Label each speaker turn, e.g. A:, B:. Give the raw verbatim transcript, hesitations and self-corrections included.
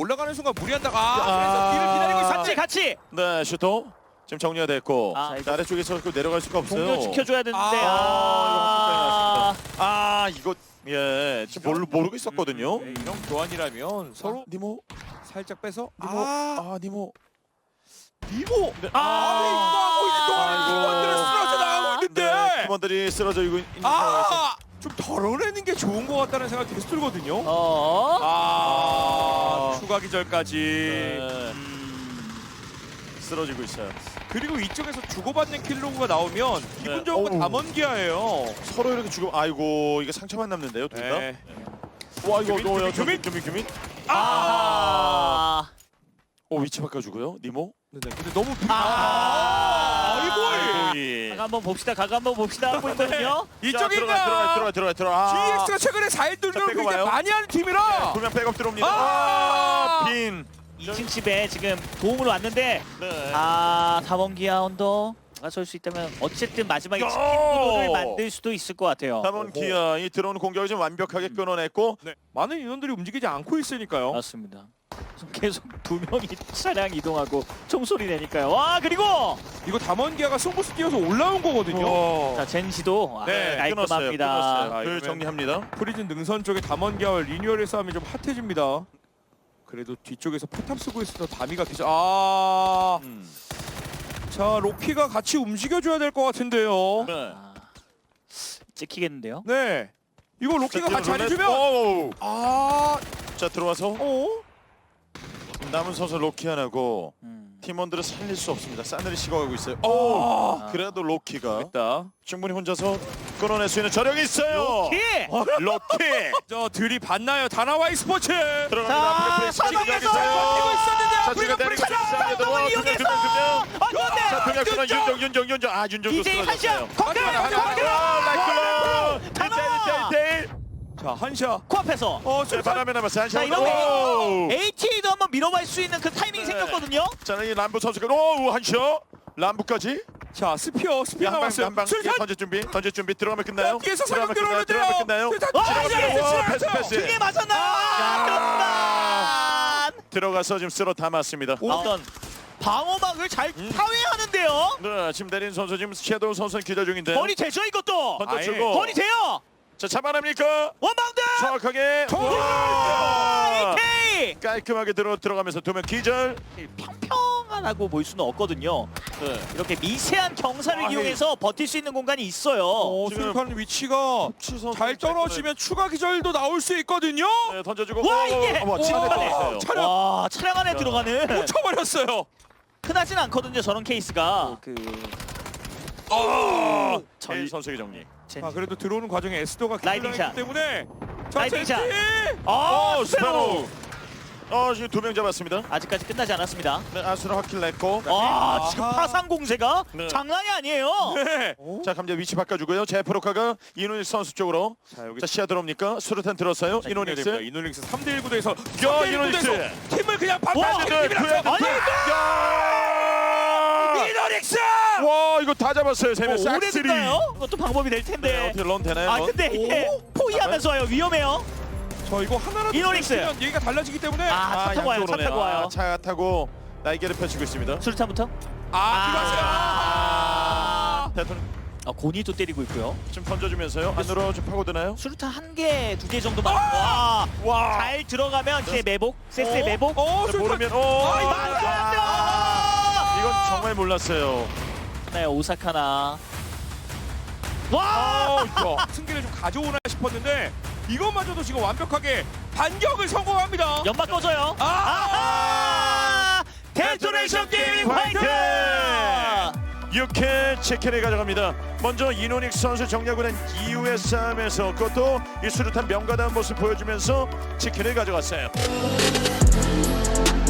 A: 올라가는 순간 무리한다가 아,
B: 아.
A: 그래서 뒤를 기다리고 있었지.
C: 같이 같이
B: 네, 슈터 지금 정리가 됐고
C: 아,
B: 자, 아래쪽에서 그 내려갈 수가 없어요.
C: 동료 지켜줘야 되는데
A: 아,
C: 아,
B: 아, 이거 예, 지금 모르, 모르고 있었거든요.
A: 네, 이런 교환이라면 서로
B: 아, 니모,
A: 살짝 빼서
B: 니모,
A: 아,
B: 아, 니모.
A: 니모
B: 네.
A: 아, 이거 하고 있는 동안
B: 아이고.
A: 팀원들은 쓰러져 나가고 있는데
B: 네, 팀원들이 쓰러져 있고 있는 상황에서
A: 아, 좀 덜어내는 게 좋은 것 같다는 생각이 계속 들거든요.
C: 어.
A: 아, 추가 기절까지.
B: 네,
A: 음,
B: 쓰러지고 있어요.
A: 그리고 이쪽에서 주고받는 킬로그가 나오면 기분 좋은 건
B: 어우.
A: 담원기아예요.
B: 서로 이렇게 죽음. 아이고, 이게 상처만 남는데요, 둘 다.
A: 네.
B: 와, 이거
A: 규민,
B: 뭐야?
A: 규민,
B: 규민, 규민.
C: 아.
B: 어, 위치 바꿔주고요, 니모.
A: 네, 근데 너무
C: 아.
A: 아이고.
B: 아이고,
C: 각 한번 봅시다. 각 한번 봅시다 하고 있거든요.
B: 이쪽인가? 들어가,
A: 이쪽인가?
B: 들어가, 들어가, 들어가. 아.
A: 지엑스가 최근에 사 일
B: 자,
A: 돌려고
B: 빼고
A: 굉장히
B: 와요.
A: 많이 하는 팀이라.
B: 두 명 백업 들어옵니다.
A: 아.
B: 아, 빈.
C: 이 층 집에 지금 도움으로 왔는데
B: 네.
C: 아 다원기아 언더 나설 수 있다면 어쨌든 마지막에
B: 야!
C: 치킨구도를 만들 수도 있을 것 같아요.
B: 다본 기아 이 들어오는 공격을 좀 완벽하게 끊어냈고
A: 네. 많은 인원들이 움직이지 않고 있으니까요.
C: 맞습니다. 계속 두 명이 차량 이동하고 총소리 내니까요. 와 그리고
A: 이거 담원기아가 송구스 뛰어서 올라온 거거든요.
B: 어.
C: 자 젠시도 아,
A: 네,
B: 끊었어요.
C: 깔끔합니다.
B: 끊었어요.
A: 아,
B: 그
A: 이러면-
B: 정리합니다.
A: 프리즌 능선 쪽에 담원기아와 리뉴얼의 싸움이 좀 핫해집니다. 그래도 뒤쪽에서 포탑 쓰고 있어서 다미가 기절. 아,
B: 음.
A: 자 로키가 같이 움직여줘야 될 것 같은데요.
B: 네.
C: 아, 찍히겠는데요?
A: 네, 이거 로키가 같이 안 해주면
B: 오.
A: 아,
B: 자 들어와서
A: 어?
B: 남은 선수 로키안하고
C: 음.
B: 팀원들을 살릴 수 없습니다. 싸늘히 식어가고 있어요. 오.
A: 아,
B: 그래도 로키가
A: 됐다.
B: 충분히 혼자서 끊어낼 수 있는 저력이 있어요.
C: 예!
B: 로키
A: 저 들이 봤나요? 다나와이 스포츠.
B: 들어갑니다.
C: 자,
B: 앞에 플레이
C: 사방에서
A: 버티고 있었는데
B: 자,
A: 우리가
B: 지금 내리고
A: 불차량
B: 있어요.
C: 사방을 이용해서
B: 자,
C: 안돼
B: 동혁 선수 윤정, 윤정, 윤정. 아, 윤정도
C: 이제
B: 쓰러졌어요.
C: 한시야 거기로
A: 가자, 가자,
C: 거기로
B: 라이클로
C: 가자!
B: 일대일
A: 자 한샤.
C: 코앞에서
A: 어,
B: 네,
A: 술탄.
B: 바람에 남았어요. 한
C: 자,
B: 시간.
C: 이러면 에이티에이도 한번 밀어볼 수 있는 그 타이밍이
B: 네.
C: 생겼거든요.
B: 자, 이 람부 선수가 오, 한시요. 람부까지.
A: 자 스피어, 스피어
B: 한방
A: 나왔어요.
B: 한방
A: 술탄.
B: 던질 준비. 던질 준비. 들어가면 끝나요.
A: 뒤에서
B: 들어가면
A: 사격
B: 끝나요.
A: 들어오는데요.
B: 들어가면 끝나요.
A: 술탄.
C: 와,
A: 지나갔어요.
B: 와,
A: 지나갔어요.
B: 패스, 패스.
C: 등에 맞았나?
B: 아.
C: 그렇다.
B: 들어가서 지금 쓸어 담았습니다.
C: 어떤 방어막을 잘 파괴하는데요.
B: 네, 지금 내린 선수 지금 섀도우 선수는 기자 중인데.
C: 거리 되죠 이것도.
B: 던져주고.
C: 거리 돼요.
B: 자, 잡아냅니까?
C: 원바운드.
B: 정확하게.
A: 정확하게.
B: 와!
C: 에이케이.
B: 깔끔하게 들어 들어가면서 두 명 기절.
C: 평평하다고 볼 수는 없거든요.
B: 네.
C: 이렇게 미세한 경사를
A: 아,
C: 이용해서 버틸 수 있는 공간이 있어요.
A: 어,
B: 지금-
A: 술탄 위치가
B: 치선
A: 잘 떨어지면 추가 기절도 나올 수 있거든요.
B: 네, 던져주고.
C: 와,
B: 오,
C: 이게!
B: 어머, 치고
A: 와,
B: 들어갔어요.
A: 차량
C: 와 차량 안에 들어가는
A: 꽂혀버렸어요.
C: 흔하진 않거든요 저런 케이스가. 그
B: 아,
C: 전-
B: 전 선수의 정리.
C: 젠-
A: 아 그래도 들어오는 과정에 에스도가
C: 라이딩 샷.
A: 기절했기 때문에 자
C: 라이딩 샷.
A: 젠지.
C: 아
B: 어,
C: 스페로.
B: 스페로. 어, 지금 두 명 잡았습니다.
C: 아직까지 끝나지 않았습니다.
B: 네, 아수라 확킬 냈고.
C: 아 지금
A: 아하.
C: 파상 공세가
B: 네.
C: 장난이 아니에요.
A: 네.
B: 자, 감자 위치 바꿔주고요. 제프로카가 이노닉스 선수 쪽으로.
A: 자 여기
B: 자, 시야 들어옵니까? 수류탄 들었어요.
A: 이노닉스
B: 이노닉스.
A: 이노닉스 삼 대 일 구도에서
B: 야, 이노닉스.
A: 팀을 그냥
C: 와,
A: 반반하는
B: 네,
A: 팀이라서
B: 구해야 돼. 야!
A: 이노닉스.
B: 와, 이거 다 잡았어요. 세 명.
C: 어, 오래
B: 싹쓸이.
C: 됐나요? 그것도 방법이 될
B: 네,
C: 텐데.
B: 어떻게 런 되나요?
C: 아
B: 런?
C: 근데 이게 포위하면서 와요. 위험해요.
A: 저 이거 하나라도
C: 이노닉스.
A: 들어오면 얘기가 달라지기 때문에
C: 아,
A: 아,
C: 차 타고 와요. 차
B: 양쪽으로네요.
C: 타고 와요.
B: 아, 차 타고 날개를 펼치고 있습니다.
C: 수류탄부터.
A: 아, 들어왔어요.
B: 대통령
C: 아 고니도 때리고 있고요.
B: 좀 던져주면서요. 안으로 좀 파고드나요?
C: 수류탄 한 개, 두 개 정도만. 와,
B: 와.
C: 잘 들어가면 이제 매복, 세스의
A: 어?
C: 매복.
A: 어,
B: 자,
A: 술탄.
B: 모르면 오.
A: 아, 이거
C: 맞았어!
B: 이건 정말 몰랐어요.
C: 네, 오사카나. 와!
A: 어, 이거 승기를 좀 가져오나 싶었는데 이것마저도 지금 완벽하게 반격을 성공합니다.
C: 연막 꺼져요.
A: 아!
C: 아하! 데토네이션 게이밍 화이트!
B: 육회 치킨을 가져갑니다. 먼저 이노닉스 선수 정리하고 난 이후의 싸움에서 그것도 이 수류탄 명가다운 모습 보여주면서 치킨을 가져갔어요.